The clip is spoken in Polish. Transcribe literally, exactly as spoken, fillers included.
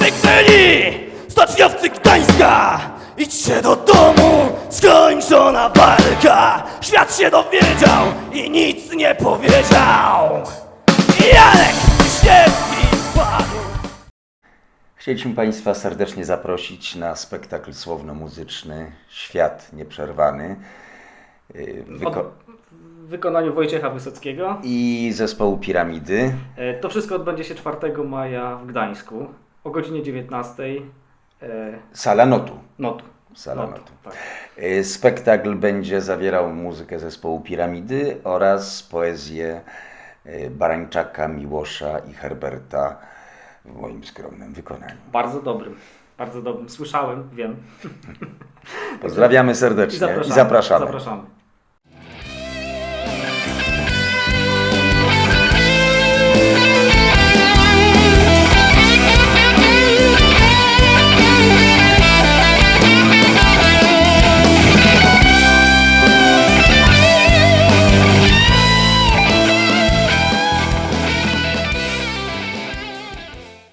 wykrzyli stoczniowcy Gdańska. Idźcie do domu, skończona walka. Świat się dowiedział i nic nie powiedział. Janek Wiśniewski padł. Chcieliśmy Państwa serdecznie zaprosić na spektakl słowno-muzyczny Świat Nieprzerwany Wyko- W wykonaniu Wojciecha Wysockiego. i zespołu Piramidy. E, To wszystko odbędzie się czwartego maja w Gdańsku o godzinie dziewiętnastej. E, Sala Notu. Notu. Sala Notu, Notu. tak. Y, Spektakl będzie zawierał muzykę zespołu Piramidy oraz poezję y, Barańczaka, Miłosza i Herberta w moim skromnym wykonaniu. Bardzo dobrym. Bardzo dobrym. Słyszałem, wiem. Pozdrawiamy I serdecznie zapraszamy. i zapraszamy. zapraszamy.